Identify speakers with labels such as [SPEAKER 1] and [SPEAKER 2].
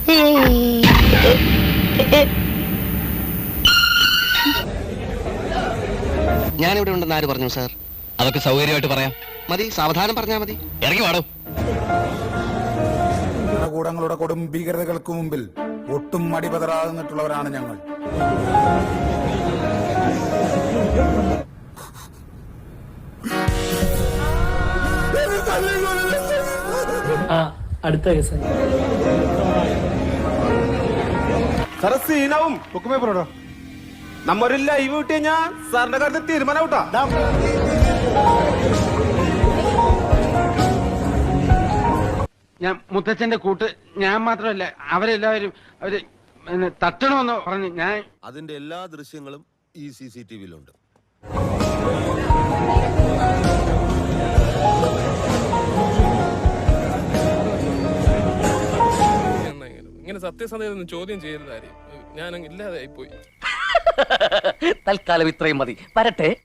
[SPEAKER 1] ഞാനിവിടെ ഉണ്ടെന്ന് ആര് പറഞ്ഞു സാർ?
[SPEAKER 2] അതൊക്കെ സൗകര്യമായിട്ട് പറയാം.
[SPEAKER 1] മതി, സാവധാനം പറഞ്ഞാൽ മതി.
[SPEAKER 2] ഇറങ്ങി വാടോ.
[SPEAKER 3] ഭരണകൂടങ്ങളുടെ കൊടും ഭീകരതകൾക്ക് മുമ്പിൽ ഒട്ടും മടിപതറാതെ നിന്നിട്ടുള്ളവരാണ് ഞങ്ങൾ.
[SPEAKER 4] അടുത്ത കേസായി
[SPEAKER 5] സാറെ സീനാവും നമ്മൊരു ലൈവ് കിട്ടി കഴിഞ്ഞാൽ സാറിന്റെ കാര്യത്തിൽ തീരുമാനം ഔട്ടാ.
[SPEAKER 6] ഞാൻ മുത്തച്ഛന്റെ കൂട്ട് ഞാൻ മാത്രമല്ല അവരെല്ലാവരും അവര് തട്ടണമെന്ന് പറഞ്ഞു. ഞാൻ
[SPEAKER 7] അതിന്റെ എല്ലാ ദൃശ്യങ്ങളും ഈ CCTV-യിലുണ്ട്.
[SPEAKER 8] ഇങ്ങനെ സത്യസന്ധത ചോദ്യം ചെയ്യരുതായിരിക്കും. ഞാൻ ഇല്ലാതായി പോയി.
[SPEAKER 2] തൽക്കാലം ഇത്രയും മതി. വരട്ടെ.